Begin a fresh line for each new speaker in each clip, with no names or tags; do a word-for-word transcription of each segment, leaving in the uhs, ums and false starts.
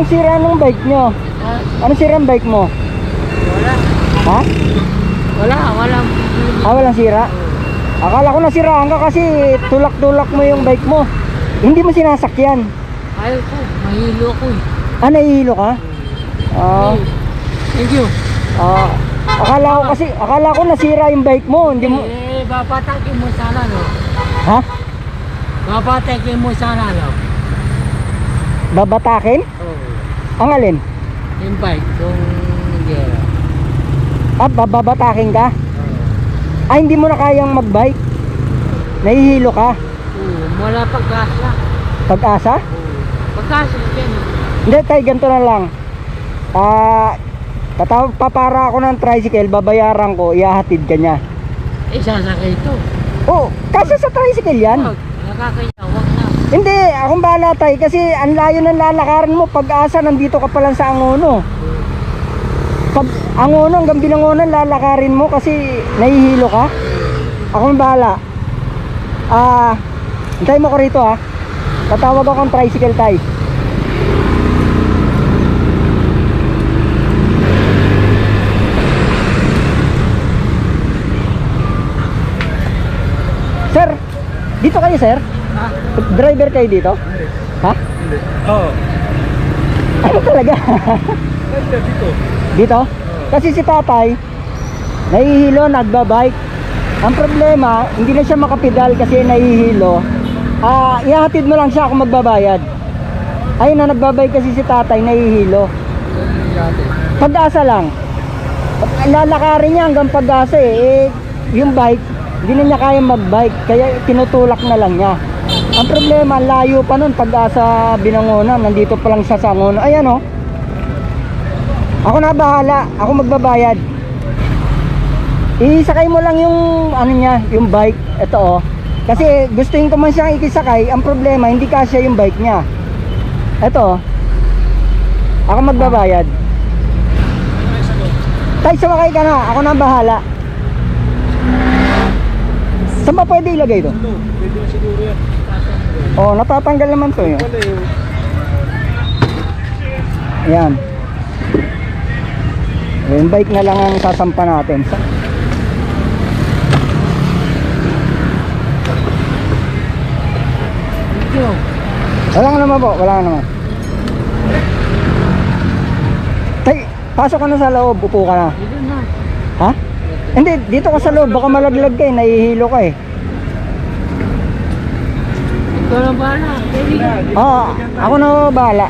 Anong sira ng bike nyo?
Ha?
Anong sira ng bike mo?
Wala.
Ha?
Wala, wala.
Ah, walang sira? Akala ko nasiraan ka kasi tulak-tulak mo yung bike mo. Hindi mo sinasakyan.
Ayaw ko, mahilo ako eh.
Ah, nahihilo ka? Ah,
Hey, thank you.
ah, akala ko kasi, akala ko nasira yung bike mo. Hindi mo,
Eh, babatakin mo sana, no?
ha?
Babatakin mo sana, no?
Babatakin?
Oo.
Ang alin?
Yung bike, yung gera.
Ah, babatakin ka?
Oo.
Ah, hindi mo na kayang magbike? Nahihilo ka?
Oo, wala pag-asa.
Pag-asa?
Oo. Pag-asa, yan.
Hindi, tay, ganito na lang. Ah, tataw papara ako ng tricycle, babayaran ko, ihahatid ka niya.
Eh, sasakay ito.
Oh, kasi sa tricycle yan.
Wag, nakakaya, wag na.
Hindi, akong bahala tay, kasi ang layo ng lalakarin mo. Pag-asa, nandito ka pa lang sa Angono. Pag Angono, hanggang Binangonan, lalakarin mo kasi nahihilo ka. Akong bahala. Ah, hintay mo ko rito ha. Tatawag akong tricycle tay. Sir, dito kayo sir?
Ha?
Driver kayo dito? Ha?
Oo.
Ano talaga?
Ganda dito.
Dito? Kasi si tatay nahihilo, nagbabike. Ang problema, hindi na siya makapedal kasi nahihilo. Ah, ihahatid mo lang siya kung magbabayad. Ayun na, nagbabike kasi si tatay, nahihilo. Pag-asa lang. Lalakarin niya hanggang Pag-asa eh. eh yung bike, hindi na niya kaya magbike, kaya tinutulak na lang niya. Ang problema, layo pa nun. Pag-asa Binangonan, nandito pa lang siya sa Angono. Ayan o. Ako na bahala, ako magbabayad. Isakay mo lang yung ano niya, yung bike. Ito oh. Kasi gustuin ko man siyang ikisakay. Ang problema, hindi kasya yung bike niya. Ito oh. Ako magbabayad. Tay, sumakay ka na, ako na bahala. Saan ba pwede ilagay ito?
Ito, pwede na siguro yan.
Oh, natatanggal naman to yun.
Wala yung...
Ayan. Yung bike na lang ang sasampa natin.
Thank you.
Wala nga naman po, wala nga naman. Tay, pasok ka na sa loob, upo ka na.
Dito na.
Ha? Hindi, dito ka sa loob, baka malaglag ka eh, nahihilo ka eh.
Ikaw na bahala. Pwede ka.
Oo, ako na bahala.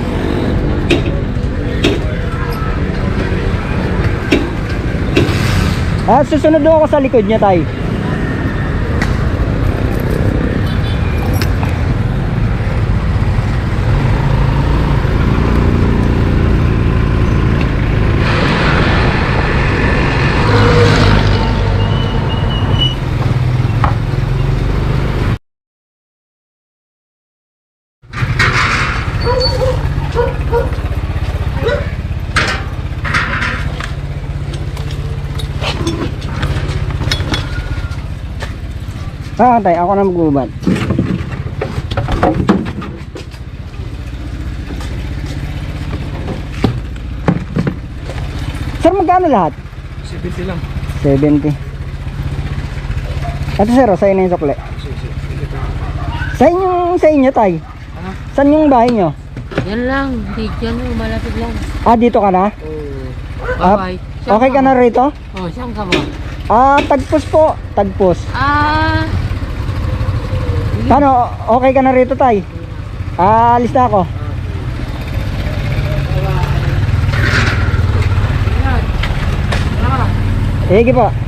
Ah, susunod doon ako sa likod niya, tay. Ah, tay, ako na magubad. Sir, magkano lahat?
seventy lang.
seventy. Ito sir, sa'yo na yung sukle.
Sige, sige. Sige, sige.
Sa inyo, sa inyo tay.
Ha?
Saan yung bahay nyo?
Yan lang. Di dyan mo, malapit lang.
Ah, dito ka na?
Oo.
Ah,
Bye-bye. Saan
okay ka na rito?
Oh, saan ka ba?
Ah, tagpos po. Tagpos.
Ah,
Paano? Okay ka na rito tay? Ah, alis na ako.
yan. Tara.
Sige po.